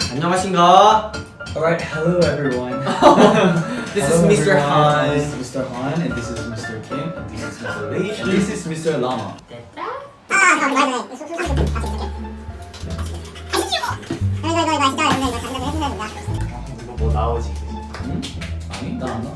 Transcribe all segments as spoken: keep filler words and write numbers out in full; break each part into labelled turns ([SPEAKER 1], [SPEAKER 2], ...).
[SPEAKER 1] 안녕하신가?
[SPEAKER 2] Alright, hello everyone.
[SPEAKER 1] This
[SPEAKER 2] hello
[SPEAKER 1] is Mister
[SPEAKER 2] everyone.
[SPEAKER 1] Han.
[SPEAKER 2] This is Mister Han, and this is Mister Kim, and this is Mister Lee, and this is Mister Lama.
[SPEAKER 3] 이거 뭐 나오지?
[SPEAKER 2] 응? 아니, 나 안 나.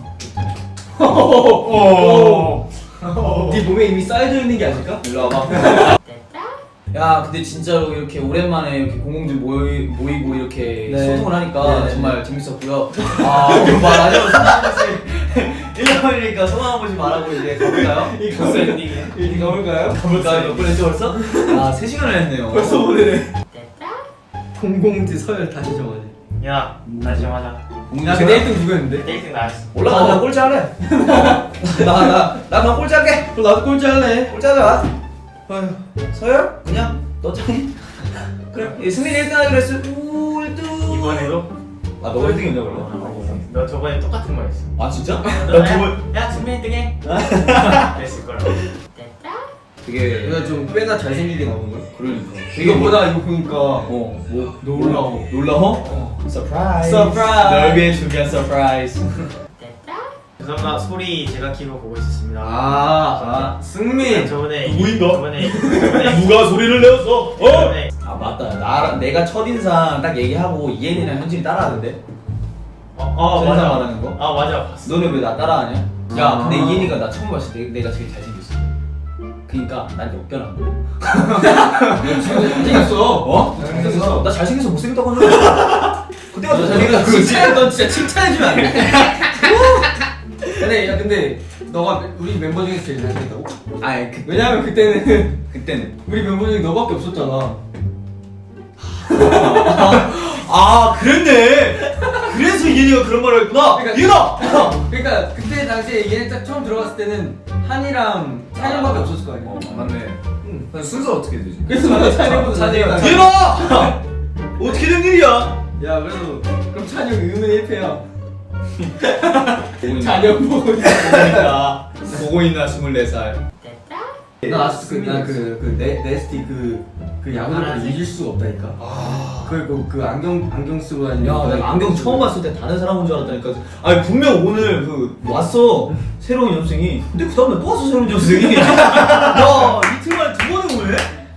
[SPEAKER 1] 네 몸에 이미 쌓여져 있는 게 아닐까?
[SPEAKER 2] 일로 와봐. 야, 근데 진짜로 이렇게 오랜만에 이렇게 공공들 모이, 모이고 이렇게
[SPEAKER 1] 네.
[SPEAKER 2] 소통을 하니까
[SPEAKER 1] 네.
[SPEAKER 2] 정말 재밌었고요. 아, 그럼 말하죠. 소감 한 번씩. 일 년이니까 소감 한 번씩 말하고 이제 가볼까요?
[SPEAKER 1] 이거 엔딩이야. 이거 가볼까요?
[SPEAKER 2] 가볼까요? 몇 분 했죠 벌써? 아, 세 시간을 했네요.
[SPEAKER 1] 벌써 보내네. 공공지 서열 다시 정하지.
[SPEAKER 3] 야, 다시 좀 하자.
[SPEAKER 1] 야, 근데 일 등 누구였는데?
[SPEAKER 3] 일 등 나였어.
[SPEAKER 2] 올라가, 나 꼴찌 할래. 나, 나, 나 그냥 꼴찌 할게.
[SPEAKER 1] 그럼 나도 꼴찌 할래.
[SPEAKER 2] 꼴찌 하자. 어휴, 서열? 그냥 너 짱이? 그래, 예, 승민이 일 등 하기로 했어. 오, 일 등.
[SPEAKER 3] 이번에도?
[SPEAKER 2] 아, 너가 일 등이었냐, 그럼?
[SPEAKER 3] 너 저번에 똑같은 거 했어.
[SPEAKER 2] 아, 진짜?
[SPEAKER 3] 너 저번 야, 승민 일 등 해. 그랬을 거라고.
[SPEAKER 2] 되게.
[SPEAKER 1] 내가 좀 꽤나 잘생기게 나오는 거야.
[SPEAKER 2] 그러니까.
[SPEAKER 1] 이거보다 이거 보니까
[SPEAKER 2] 어, 뭐?
[SPEAKER 1] 놀라워.
[SPEAKER 2] 놀라워?
[SPEAKER 1] 어.
[SPEAKER 2] 서프라이즈.
[SPEAKER 1] 서프라이즈.
[SPEAKER 2] 널 위해 준비한 서프라이즈.
[SPEAKER 3] 죄송합니다. 소리 제가 키고 보고 있었습니다.
[SPEAKER 1] 아, 아 승민.
[SPEAKER 3] 저번에
[SPEAKER 2] 누구인가?
[SPEAKER 3] 저번에 저번에
[SPEAKER 2] 누가 소리를 내었어? 어?
[SPEAKER 3] 저번에
[SPEAKER 2] 아, 맞다. 나, 내가 첫인상 딱 얘기하고 이엔이랑 현진이 따라하는데?
[SPEAKER 3] 어, 어
[SPEAKER 2] 첫인상
[SPEAKER 3] 맞아.
[SPEAKER 2] 말하는 거?
[SPEAKER 3] 아 맞아 봤어.
[SPEAKER 2] 너네 왜 나 따라하냐? 야,
[SPEAKER 1] 아.
[SPEAKER 2] 근데 이엔이가 나 처음 봤을 때 내가 제일 잘생겼어. 그니까 난 역변한 거야.
[SPEAKER 1] 잘생겼어.
[SPEAKER 2] 어?
[SPEAKER 1] 잘생겼어.
[SPEAKER 2] 나 잘생겨서 못생겼다고 하는 거야. 그때가 너 잘생겼어.
[SPEAKER 1] 칭찬, 넌 진짜 칭찬해주면 안 돼. 근데 야 근데 너가 우리 멤버 중에서 제일 잘생겼다고?
[SPEAKER 2] 아니, 그,
[SPEAKER 1] 왜냐면 그때는
[SPEAKER 2] 그때는.
[SPEAKER 1] 우리 멤버 중에 너밖에 없었잖아.
[SPEAKER 2] 아, 그랬네. 그래서 이엔이가 그런 말을 했구나.
[SPEAKER 1] 그러니까-
[SPEAKER 2] 이엔아!
[SPEAKER 1] 그러니까 그때 당시에 얘네 딱 처음 들어갔을 때는 한이랑 찬영밖에 없었을 거 아니야.
[SPEAKER 2] 어, 맞네.
[SPEAKER 1] 응.
[SPEAKER 2] 그럼 순서 어떻게 되지?
[SPEAKER 1] 그래서 내가 찬영보다
[SPEAKER 2] 찬영이가
[SPEAKER 1] 잘생겼다.
[SPEAKER 2] 이엔아! 어떻게 된 일이야?
[SPEAKER 1] 야 그래도 그럼 찬영 의문의 일 패야.
[SPEAKER 2] 보고 있나?
[SPEAKER 1] 찬영 보고 있어.
[SPEAKER 2] 보고 있나? 보고 있나? 스물네 살.
[SPEAKER 1] 나 아직도 그나그그 네스티 그 그 야구를 잊을 수가 없다니까.
[SPEAKER 2] 아.
[SPEAKER 1] 그 그 그 안경 안경 쓰고 다니는.
[SPEAKER 2] 야, 내가 안경 처음 봤을 때 다른 사람 온 줄 알았다니까. 아니, 분명 오늘 그 왔어. 새로운 연습생이. 근데 그 다음날 또 왔어, 새로운 연습생이. 야, 이틀 만에 두 번을 오네?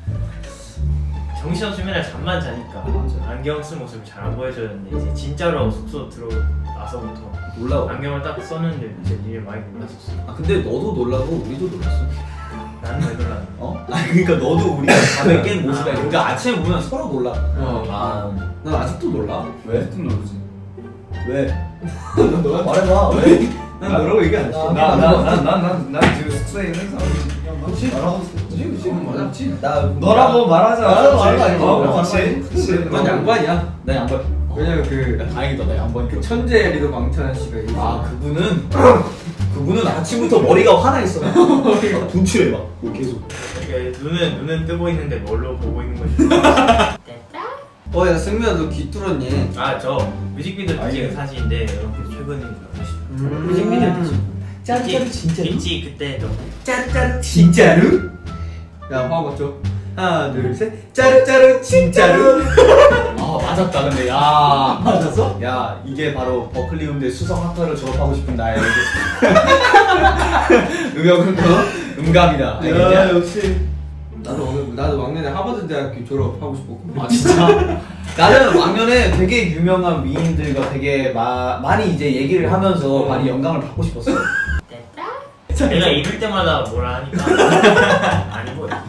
[SPEAKER 3] 정신없으면 잠만 자니까
[SPEAKER 2] 맞아.
[SPEAKER 3] 안경 쓴 모습을 잘 안 보여줬는데 이제 진짜로 숙소 들어나서부터
[SPEAKER 2] 놀라워.
[SPEAKER 3] 안경을 딱 썼는데 이제 니네 많이 놀랐었어.
[SPEAKER 2] 아, 근데 너도 놀라고 우리도 놀랐어.
[SPEAKER 3] 나는 왜 놀랐는데?
[SPEAKER 2] 어? 아, 그러니까 너도 우리가 밤에 깬 모습이야. 그러니까 아침에 보면 서로 놀라.
[SPEAKER 1] 어.
[SPEAKER 2] 아,
[SPEAKER 1] 난 아직도 놀라.
[SPEAKER 2] 왜?
[SPEAKER 1] 아직도 모르지.
[SPEAKER 2] 왜? 너가 말해봐. 왜?
[SPEAKER 1] 난 너라고 얘기 안 했어.
[SPEAKER 4] 나나나나난 지금 숙소에 항상
[SPEAKER 1] 그렇지.
[SPEAKER 4] 말하고
[SPEAKER 1] 그렇지 그렇지. 맞아. 그렇지.
[SPEAKER 2] 나
[SPEAKER 4] 너라고 말하자.
[SPEAKER 1] 아, 말하는 거 아니지.
[SPEAKER 4] 어,
[SPEAKER 1] 그렇지.
[SPEAKER 4] 그렇지.
[SPEAKER 1] 넌 양반이야.
[SPEAKER 2] 나 양반.
[SPEAKER 1] 왜냐면 그
[SPEAKER 2] 다행이다, 나 양반.
[SPEAKER 1] 그 천재 리더 망찬 씨가 있어.
[SPEAKER 2] 아, 그분은 그분은 아침부터 머리가 화나 있어. 분출해 막. 뭐 계속.
[SPEAKER 3] 그러니까 눈은 눈은 뜨고 있는데 뭘로 보고 있는 거지?
[SPEAKER 1] 어, 야 승민아 너 귀 뚫었니?
[SPEAKER 3] 아 저 뮤직비디오
[SPEAKER 4] 아,
[SPEAKER 3] 찍은
[SPEAKER 4] 예.
[SPEAKER 3] 사진인데 여러분들 최근인 줄 아시죠?
[SPEAKER 1] 음.
[SPEAKER 3] 뮤직비디오 찍.
[SPEAKER 2] 짜르짜르 진짜로?
[SPEAKER 3] 있지 그때도.
[SPEAKER 2] 짜르짜르 진짜로?
[SPEAKER 1] 야 화음 맞죠? 하나 둘 셋. 짜르짜르 진짜로.
[SPEAKER 2] 아, 맞았다. 근데 야,
[SPEAKER 1] 맞았어?
[SPEAKER 2] 야, 이게 바로 버클리 음대 수성학과를 졸업하고 싶은 나의 음역은 음감이다.
[SPEAKER 1] 야
[SPEAKER 2] 알겠냐?
[SPEAKER 1] 역시. 나도 오늘 나도 막내내 하버드 대학교 졸업하고 싶었거든.
[SPEAKER 2] 아, 진짜? 나는 왕년에 되게 유명한 미인들과 되게 마, 많이 이제 얘기를 하면서 많이 영감을 받고 싶었어.
[SPEAKER 3] 내가 입을 때마다 뭐라 하니까 아니고.
[SPEAKER 2] 야,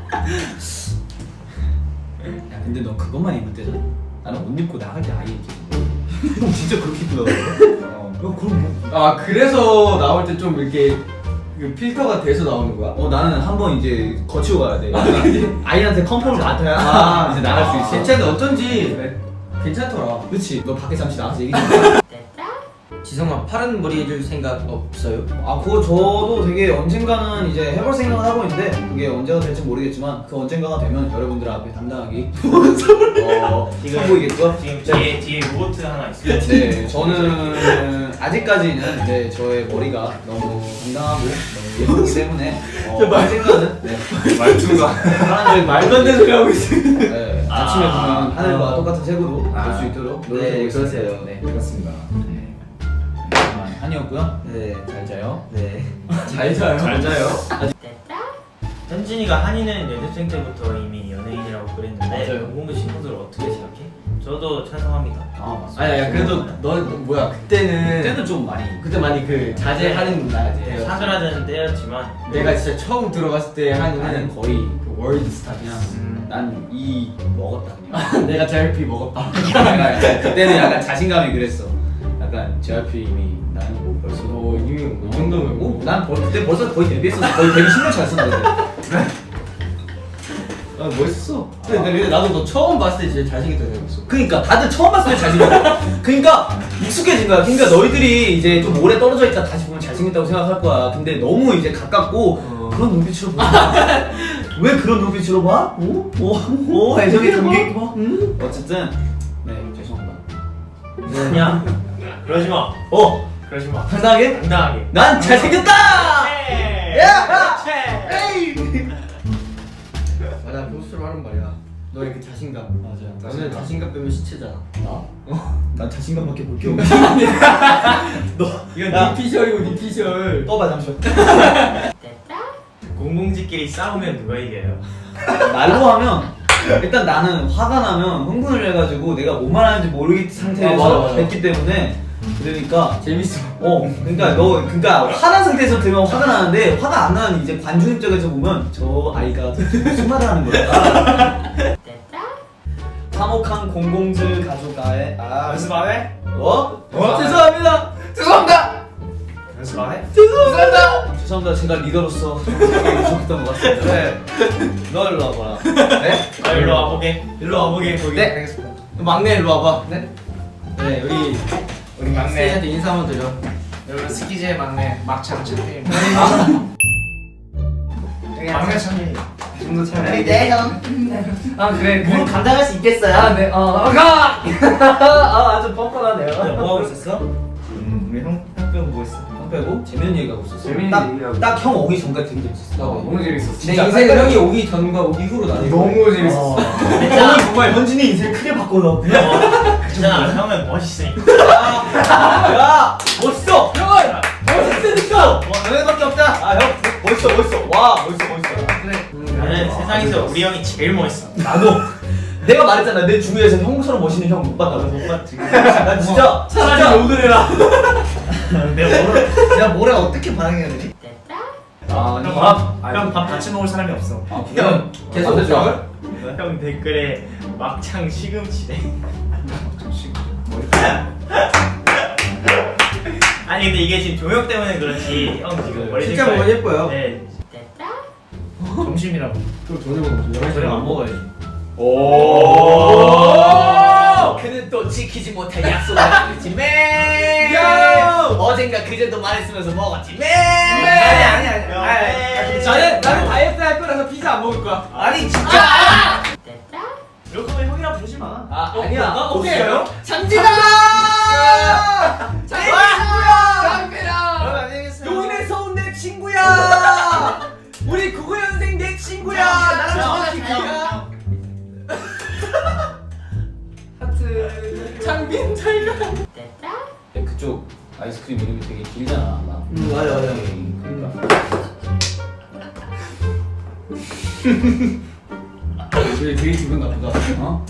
[SPEAKER 2] 근데 넌 그것만 입을 때잖아. 나는 옷 입고 나갈 때 아예 입지. 형 진짜 그렇게 입더라고. 어. 야, 그럼 뭐.
[SPEAKER 1] 아 그래서 나올 때 좀 이렇게 그 필터가 돼서 나오는 거야?
[SPEAKER 2] 어, 나는 한번 이제 거치고 가야 돼. 아이한테 컨펌을 맡아야
[SPEAKER 1] 아
[SPEAKER 2] 이제 나갈 수 있어.
[SPEAKER 1] 괜찮은데 어쩐지 괜찮더라.
[SPEAKER 2] 그렇지. 너 밖에 잠시 나가서 얘기 좀 해.
[SPEAKER 1] 지성아 파란 머리 해줄 생각 없어요?
[SPEAKER 2] 아, 그거 저도 되게 언젠가는 이제 해볼 생각을 하고 있는데 그게 언제가 될지 모르겠지만 그 언젠가가 되면 여러분들 앞에 당당하게 어,
[SPEAKER 3] 지금-
[SPEAKER 2] 선보이겠죠?
[SPEAKER 3] 지금 뒤에 뒤에 로보트 하나 있어요.
[SPEAKER 2] 네, 저는 아직까지는 네, 저의 머리가 너무 당당하고 너무 예쁘기 때문에 어, 언젠가는 네,
[SPEAKER 4] 말투가
[SPEAKER 2] 사람들이
[SPEAKER 1] 말도 안 되는 소리 하고 있어.
[SPEAKER 2] 네, 아침에 보면 하늘과
[SPEAKER 4] 아.
[SPEAKER 2] 똑같은 색으로 볼
[SPEAKER 4] 아.
[SPEAKER 2] 수 있도록
[SPEAKER 1] 네,
[SPEAKER 2] 노력해보겠습니다.
[SPEAKER 1] 그러세요.
[SPEAKER 2] 네.
[SPEAKER 4] 그렇습니다.
[SPEAKER 2] 네. 그만 한이었고요.
[SPEAKER 1] 네.
[SPEAKER 2] 잘 자요.
[SPEAKER 1] 네. 잘 자요.
[SPEAKER 2] 잘 자요.
[SPEAKER 3] 현진이가 한이는 연습생 때부터 이미 연예인이라고 그랬는데
[SPEAKER 2] 맞아요.
[SPEAKER 3] 공공부 친구들 어떻게 생각해? 저도 찬성합니다.
[SPEAKER 2] 아 맞습니다.
[SPEAKER 1] 아니야, 그래도 너 뭐야 그때는
[SPEAKER 2] 그때는 좀 많이
[SPEAKER 1] 그때 많이 그 자제하는 날.
[SPEAKER 3] 사그라드는 때였지만
[SPEAKER 1] 내가 진짜 처음 들어갔을 때
[SPEAKER 2] 나는
[SPEAKER 1] 한이는
[SPEAKER 2] 거의
[SPEAKER 1] 그 월드 스타
[SPEAKER 2] 그냥
[SPEAKER 3] 음.
[SPEAKER 2] 난 이 먹었다 그냥.
[SPEAKER 1] 내가 제알피 먹었다.
[SPEAKER 2] 내가 약간 그때는 약간 자신감이 그랬어. 약간 제알피 이미 나는 뭐 벌써
[SPEAKER 1] 너 이미 이 정도면 뭐?
[SPEAKER 2] 난 벌, 그때 벌써 거의 데뷔했었어. 거의 데뷔 십 년 차였었는데.
[SPEAKER 1] 아 멋있어. 근데, 근데 나도 너 처음 봤을 때 진짜 잘생겼다 생각했어.
[SPEAKER 2] 그러니까 다들 처음 봤을 때 잘생겼어. 그러니까 익숙해진 거야. 그러니까 너희들이 이제 좀 오래 떨어져 있다 다시 보면 잘생겼다고 생각할 거야. 근데 너무 이제 가깝고
[SPEAKER 1] 어.
[SPEAKER 2] 그런 눈빛으로 봐. 왜 그런 눈빛으로 봐? 오? 오? 오? 애정이 담겨있고 봐? 응? 어쨌든 네 죄송합니다.
[SPEAKER 3] 야 그러지 마.
[SPEAKER 2] 어?
[SPEAKER 3] 그러지 마.
[SPEAKER 2] 당당하게?
[SPEAKER 3] 당당하게.
[SPEAKER 2] 난 잘생겼다!
[SPEAKER 3] 네.
[SPEAKER 2] 야!
[SPEAKER 3] 그렇지.
[SPEAKER 2] 에이!
[SPEAKER 1] 맞아, 평소처럼 하는 말이야. 너의 그 자신감.
[SPEAKER 2] 맞아.
[SPEAKER 1] 너는 자신감 빼면 시체잖아.
[SPEAKER 2] 나? 어? 난 자신감밖에 볼 게 없어. 너
[SPEAKER 1] 이건
[SPEAKER 2] 야.
[SPEAKER 1] 네 피셜이고 네 피셜.
[SPEAKER 2] 떠봐 잠시만.
[SPEAKER 3] 공공지끼리 싸우면 누가 이겨요?
[SPEAKER 2] 말로 하면 일단 나는 화가 나면 흥분을 해가지고 내가 뭔 말하는지 모르겠
[SPEAKER 1] 아,
[SPEAKER 2] 상태에서
[SPEAKER 1] 맞아, 맞아.
[SPEAKER 2] 뵙기 때문에 그러니까
[SPEAKER 1] 재밌어.
[SPEAKER 2] 어 그러니까 너 그러니까 화난 상태에서 들으면 화가 나는데 화가 안 나는 이제 관중 입장에서 보면 저 아이가 무슨 말을 하는 거야. 화목한 공공질 가족아의 아
[SPEAKER 3] 연습 안 해?
[SPEAKER 2] 어?
[SPEAKER 1] 어? 죄송합니다.
[SPEAKER 2] 죄송합니다.
[SPEAKER 3] 연습 안 해?
[SPEAKER 2] 죄송합니다. 죄송합니다. 제가 리더로서 좀 되게 부족했던 것 같습니다.
[SPEAKER 1] 네.
[SPEAKER 2] 너 일로 와봐라.
[SPEAKER 1] 네?
[SPEAKER 3] 아 일로 와보게. 일로 와보게 거기.
[SPEAKER 1] 네. 알겠습니다. 막내 일로 와봐. 네. 네, 우리
[SPEAKER 4] 우리 막내
[SPEAKER 1] 스테이한테 인사 한번 드려.
[SPEAKER 4] 여러분 스키즈의 막내 막창 champion.
[SPEAKER 1] 막내
[SPEAKER 4] 참이
[SPEAKER 1] 정도 참.
[SPEAKER 4] 네 형. 아 그래
[SPEAKER 3] 뭘 감당할 수 있겠어요?
[SPEAKER 4] 아 네. 어 가. 아 아주 뻔뻔하네요.
[SPEAKER 3] 뭐 하고 있었어?
[SPEAKER 4] 음 우리 형형 빼고 뭐 했어?
[SPEAKER 2] 형 빼고 재밌는 얘기 하고 있었어.
[SPEAKER 1] 재밌는 얘기하고.
[SPEAKER 2] 딱 형 오기 전까지 되게 재밌었어.
[SPEAKER 1] 나
[SPEAKER 4] 너무 재밌었어.
[SPEAKER 1] 내
[SPEAKER 2] 진짜
[SPEAKER 1] 인생은
[SPEAKER 2] 깜짝-
[SPEAKER 1] 형이 오기 전과 오기 후로 나뉘어.
[SPEAKER 4] 너무 재밌었어.
[SPEAKER 2] 형이 정말 현진이 인생 크게 바꿔놨구나.
[SPEAKER 3] 괜찮아. 형은 멋있으니까.
[SPEAKER 2] 야 멋있어. 형은 멋있으니까. 와 너네밖에 없다. 아 형 멋있어 멋있어. 와 멋있어 멋있어.
[SPEAKER 4] 그래.
[SPEAKER 3] 나는 세상에서 우리 형이 제일 멋있어.
[SPEAKER 2] 나도 내가 말했잖아 내 주위에서 형처럼 멋있는 형 못 봤다고. 못 봤지. 나 진짜 차라리 욕을 해라.
[SPEAKER 3] 내가 뭐를?
[SPEAKER 4] 내가 뭐래 어떻게 반응해야 되지?
[SPEAKER 2] 아
[SPEAKER 3] 형밥 같이 먹을 사람이 없어.
[SPEAKER 2] 아,
[SPEAKER 1] 형 계속
[SPEAKER 2] 안
[SPEAKER 1] 좋아.
[SPEAKER 3] 형 댓글에 막창 시금치래. 아니 근데 이게 지금 조명 때문에 그렇지 형 지금 머리
[SPEAKER 1] 진짜
[SPEAKER 3] 색깔-
[SPEAKER 1] 보면 예뻐요.
[SPEAKER 3] 네.
[SPEAKER 4] 점심이라고.
[SPEAKER 1] 또 저녁 먹어. 열한 시에 안 먹어야지.
[SPEAKER 2] 오. 그는 또 지키지 못할 약속을 했지 맨.
[SPEAKER 1] 야!
[SPEAKER 2] 어젠가 그제도 말했으면서 먹었지 맨.
[SPEAKER 4] 아니 아니 아니.
[SPEAKER 3] 야,
[SPEAKER 4] 아니,
[SPEAKER 3] 에이.
[SPEAKER 4] 아니,
[SPEAKER 1] 나는 나는 다이어트 할 거라서 피자 안 먹을 거야.
[SPEAKER 2] 아니 진짜.
[SPEAKER 3] 이럴 거면 형이랑 부르지 마.
[SPEAKER 2] 아
[SPEAKER 1] 어,
[SPEAKER 2] 아니야.
[SPEAKER 1] 나 오케이.
[SPEAKER 2] 없어요?
[SPEAKER 1] 장진아! 장진아!
[SPEAKER 4] 여러분 안녕히 계세요.
[SPEAKER 2] 용인에서 온 내 친구야. 우리 구구 년생 내 친구야. 나랑 정확히 기야.
[SPEAKER 1] 하트. 장빈 잘 가.
[SPEAKER 2] 그쪽 아이스크림 이름이 되게 길잖아. 나.
[SPEAKER 1] 음, 맞아, 맞아.
[SPEAKER 2] 그러니까.
[SPEAKER 1] 되게 되게 기분 나쁘다.
[SPEAKER 2] 어?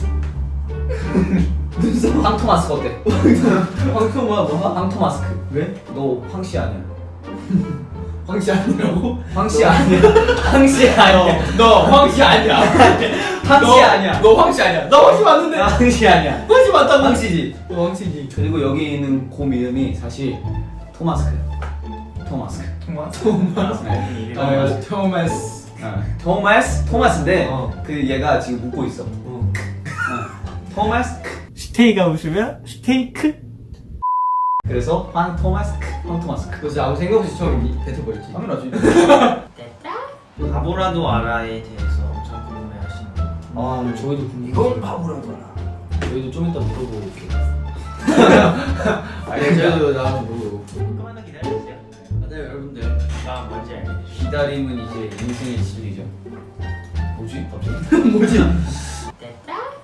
[SPEAKER 2] 황토마스크 어때?
[SPEAKER 1] 황토 뭐야 뭐?
[SPEAKER 2] 황토 마스크.
[SPEAKER 1] 왜?
[SPEAKER 2] 너 황씨 아니야?
[SPEAKER 1] 황씨 아니라고?
[SPEAKER 2] 황씨 아니야? 황씨 아니야?
[SPEAKER 1] 너 황씨 아니야.
[SPEAKER 2] 황씨
[SPEAKER 1] 너-
[SPEAKER 2] 아니야?
[SPEAKER 1] 너 황씨 아니야. 너 황씨 맞는데.
[SPEAKER 2] 나 황씨 아니야?
[SPEAKER 1] 황씨 맞다고.
[SPEAKER 2] 황씨지.
[SPEAKER 1] 너 황씨지.
[SPEAKER 2] 그리고 여기 있는 곰 이름이 사실 토마스크야. 토마스크.
[SPEAKER 4] 토마스.
[SPEAKER 2] 네.
[SPEAKER 1] 아, 토마스.
[SPEAKER 2] 어, 토마스 토마스인데
[SPEAKER 1] 어.
[SPEAKER 2] 그 얘가 지금 웃고 있어.
[SPEAKER 1] 어.
[SPEAKER 2] 어. 토마스.
[SPEAKER 3] 스테이가 웃으면 스테이크?
[SPEAKER 2] 그래서 황 토마스크. 황 토마스크.
[SPEAKER 1] 너 진짜 아무 생각 없이 처음 이- 뱉어버렸지.
[SPEAKER 2] 당연하지.
[SPEAKER 3] 바보라도 알아에 대해서 엄청 궁금해하시는 거.
[SPEAKER 2] 아, 저희도 궁금.
[SPEAKER 4] 이건 바보라고 알아.
[SPEAKER 2] 저희도 좀 이따 물어보고 올게.
[SPEAKER 1] 아니 저도 나한테 모르고.
[SPEAKER 3] 조금만 더 기다려주세요.
[SPEAKER 1] 맞아요 여러분들.
[SPEAKER 3] 나 뭔지 알게 되죠.
[SPEAKER 2] 기다림은 이제 인생의 진리죠. 뭐지? 갑자기?
[SPEAKER 1] 뭐지?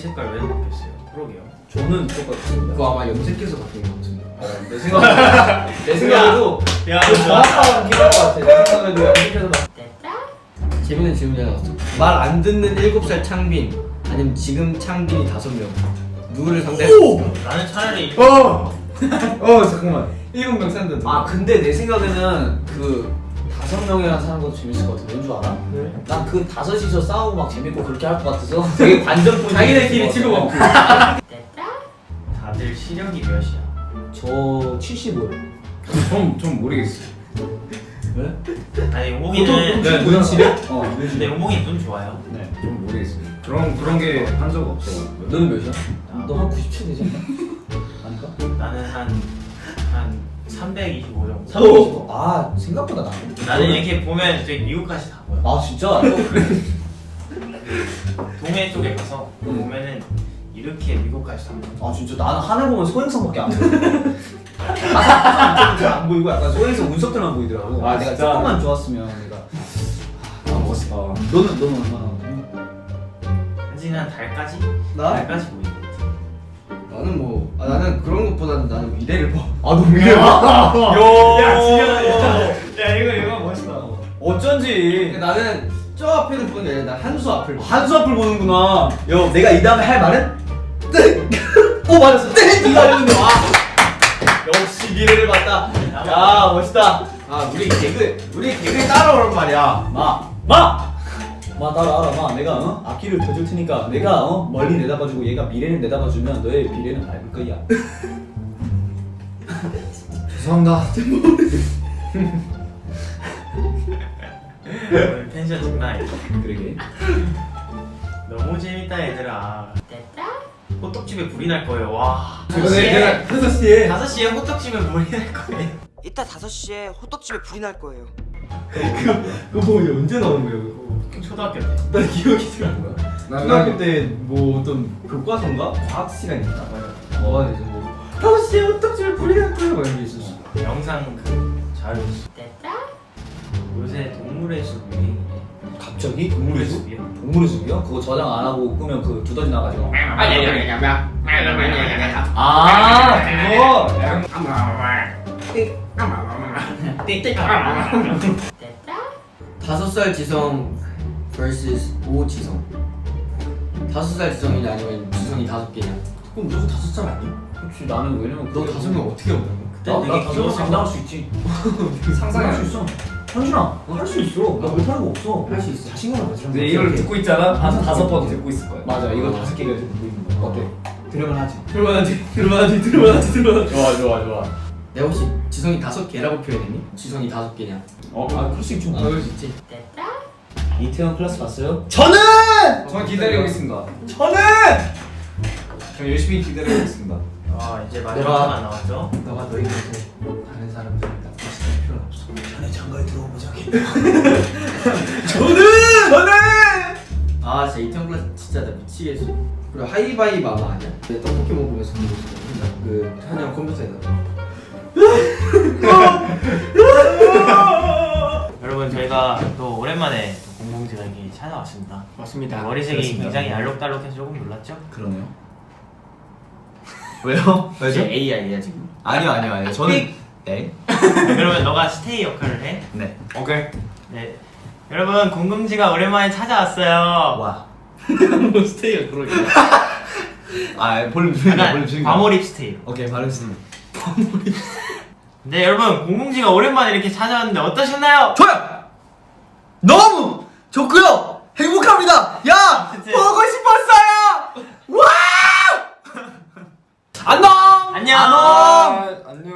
[SPEAKER 3] 색깔 왜 바뀌었어요? 그러게요.
[SPEAKER 2] 저는 똑같습니다.
[SPEAKER 1] 그거 아마 염색해서 바뀐 것 같은데.
[SPEAKER 2] 내 생각 내 생각에도
[SPEAKER 3] 야,
[SPEAKER 2] 그 정확한 기억인 것 같아. 내 생각에도 염색해서
[SPEAKER 1] 재밌는 질문이 하나 왔어. 말 안 듣는 일곱 살 창빈 아니면 지금 창빈이 다섯 명 누구를 상대했을까?
[SPEAKER 3] 나는 차라리
[SPEAKER 1] 어! 어 잠깐만 일곱 명 산다.
[SPEAKER 2] 아 근데 내 생각에는 그 다섯 명이랑 사는 것도 재밌을 것 같아. 왠 줄 알아?
[SPEAKER 1] 왜?
[SPEAKER 2] 난 그 다섯이서 싸우고 막 재밌고 그렇게 할 것 같아서 되게 관전포인트.
[SPEAKER 1] 자기네끼리 치고 먹고.
[SPEAKER 3] 다들 시력이 몇이야?
[SPEAKER 2] 저 칠십오요.
[SPEAKER 5] 좀, 좀 모르겠어요.
[SPEAKER 2] 왜?
[SPEAKER 3] 아니 용봉이는
[SPEAKER 5] 네, 눈 시력? 어, 눈
[SPEAKER 3] 근데
[SPEAKER 5] 시력.
[SPEAKER 3] 용봉이 눈 좋아요.
[SPEAKER 2] 네.
[SPEAKER 5] 좀 모르겠어요. 그런, 그런 게 한 적 없어.
[SPEAKER 2] 너는 몇이야? 너 한 구십칠 되지 않나? 아닌가?
[SPEAKER 3] 나는 한한 삼백이십오 정도.
[SPEAKER 2] 삼백이십오. 아 생각보다 나네.
[SPEAKER 3] 나는 이렇게 보면 저기 미국까지 다 보여.
[SPEAKER 2] 아 진짜?
[SPEAKER 3] 동해 쪽에 가서 보면은 이렇게 미국까지 다 보여.
[SPEAKER 2] 아 진짜 나는 하늘 보면 소행성밖에 안 보여. 아, 안 보이고 약간 소행성 운석들만 보이더라고.
[SPEAKER 5] 아,
[SPEAKER 2] 내가
[SPEAKER 5] 진짜?
[SPEAKER 2] 조금만 좋았으면 내가.
[SPEAKER 5] 아, 멋있다.
[SPEAKER 2] 너는 너는 얼마나?
[SPEAKER 3] 사진 한 달까지?
[SPEAKER 1] 나?
[SPEAKER 3] 달까지 보이는 것 같아.
[SPEAKER 1] 나는 뭐 아, 나는 그런 것보다는 나는 미래를 봐.
[SPEAKER 2] 아 너무 미래.
[SPEAKER 3] 야, 지금 야 이거 이거 멋있다.
[SPEAKER 2] 어쩐지.
[SPEAKER 1] 나는 저 앞에는 보는 게 아니라 난 한수 앞을 봐.
[SPEAKER 2] 한수 앞을 보는구나. 여, 내가 이 다음에 할 말은? 땡! 오 맞았어. 땡! 이거 알려준다. 와. 역시 미래를 봤다. 야 멋있다.
[SPEAKER 1] 아 우리 개그 우리 개그에 따라오란 말이야.
[SPEAKER 2] 마, 마, 마 따라와라 마. 내가 어? 앞길을 펴줄 테니까 내가 어? 멀리 내다봐주고 얘가 미래를 내다봐주면 너의 미래는 밝을 거야.
[SPEAKER 5] 죄송합니다.
[SPEAKER 3] 오늘 텐션 장난 아니다.
[SPEAKER 2] 그러게.
[SPEAKER 3] 너무 재밌다 얘들아. 호떡집에 불이 날 거예요. 와.
[SPEAKER 1] 이번에 내가 다섯 시에
[SPEAKER 3] 다섯 시에 호떡집에 불이 날 거예요.
[SPEAKER 6] 이따 다섯 시에 호떡집에 불이 날 거예요.
[SPEAKER 1] 그거 뭐 언제 나온 거야 그거?
[SPEAKER 3] 초등학교 때.
[SPEAKER 1] 나 기억이 잘 안 나.
[SPEAKER 5] 난-
[SPEAKER 1] 초등학교
[SPEAKER 5] 난-
[SPEAKER 1] 때 뭐 어떤 교과서인가 과학 시간이 있나 봐요. 어, 그래서 뭐 다섯 시에 호떡집에 불이 날 거야 막 이런 게 있었어.
[SPEAKER 3] 영상 그 자료. 요새 동물의 숲 유행이네.
[SPEAKER 2] 갑자기 동물의 숲?
[SPEAKER 3] 숲이요?
[SPEAKER 2] 동물의 숲이요? 그거 저장 안 하고 끄면 그 두더지 나가지고.
[SPEAKER 1] 아
[SPEAKER 2] 아 그거.
[SPEAKER 1] 다섯 살 지성 vs 오 지성. 다섯 살 지성이냐 아니면 지성이 다섯 개냐? 그럼 무조건 다섯 살 아니야?
[SPEAKER 2] 그렇지 나는 왜냐면
[SPEAKER 1] 너 다섯 명 어떻게 오냐고?
[SPEAKER 2] 나,
[SPEAKER 3] 되게
[SPEAKER 2] 나 다섯 명
[SPEAKER 3] 귀여워.
[SPEAKER 2] 장담할 수 있지. 상상할 수 있어. 현준아 할 수 있어. 나 못하는 거 없어.
[SPEAKER 1] 할 수 있어. 자신감을 가지라.
[SPEAKER 5] 근데 이걸 듣고 있잖아? 한 다섯 번 듣고 있을 거야.
[SPEAKER 2] 맞아 이거 다섯 개가 듣고 있는 거야. 어때? 들으면 하지.
[SPEAKER 1] 들만하지, 들만하지, 들만하지, 들만하지.
[SPEAKER 5] 좋아, 좋아, 좋아.
[SPEAKER 1] 내가 혹시 지성이 다섯 개라고 표현했니? 지성이 다섯 개냐?
[SPEAKER 2] 어, 아 그럴 수 있죠.
[SPEAKER 1] 아 그럴 수 있지.
[SPEAKER 2] 이태원 클래스 봤어요?
[SPEAKER 5] 저는! 저는 기다리고 있습니다.
[SPEAKER 2] 저는
[SPEAKER 5] 저 열심히 기다리고 있습니다.
[SPEAKER 3] 아 이제 마지막
[SPEAKER 1] 내가-
[SPEAKER 3] 시간 나왔죠?
[SPEAKER 1] 너가 너희 곁에 다른 사람들 나쁘실 필요는 없어.
[SPEAKER 2] 전에 장가에 들어오자.
[SPEAKER 1] 저는! 저는! 아 진짜 이태원 클래스 진짜 나 미치겠어. 그리고 하이바이 마마 아니야? 내 떡볶이 먹으면서 보고 있어. 그 한영 컴퓨터에다.
[SPEAKER 3] 여러분 저희가 또 오랜만에 또 공공지가 여기 찾아왔습니다.
[SPEAKER 1] 맞습니다.
[SPEAKER 3] 머리색이
[SPEAKER 2] 그렇습니다.
[SPEAKER 3] 굉장히 알록달록해서 조금 놀랐죠?
[SPEAKER 2] 그러네요. 왜요?
[SPEAKER 1] 이제 에이아이야 지금.
[SPEAKER 2] 아니요 아니요 아니요. 저는 네.
[SPEAKER 3] 그러면 너가 스테이 역할을 해?
[SPEAKER 2] 네.
[SPEAKER 5] 오케이.
[SPEAKER 3] 네. 여러분 공공지가 오랜만에 찾아왔어요.
[SPEAKER 2] 와.
[SPEAKER 1] 뭐 스테이가 그러게.
[SPEAKER 2] 아 볼륨 줄인다. 볼륨
[SPEAKER 3] 약간
[SPEAKER 2] 줄인다.
[SPEAKER 3] 과몰입 스테이.
[SPEAKER 2] 오케이 발음 쓰는.
[SPEAKER 3] 네 여러분 공공지가 오랜만에 이렇게 찾아왔는데 어떠셨나요?
[SPEAKER 2] 좋아요. 너무 좋고요. 행복합니다. 야
[SPEAKER 3] 그치?
[SPEAKER 2] 보고 싶었어요. 와. 안녕.
[SPEAKER 3] 안녕.
[SPEAKER 2] 안녕.
[SPEAKER 5] 안녕.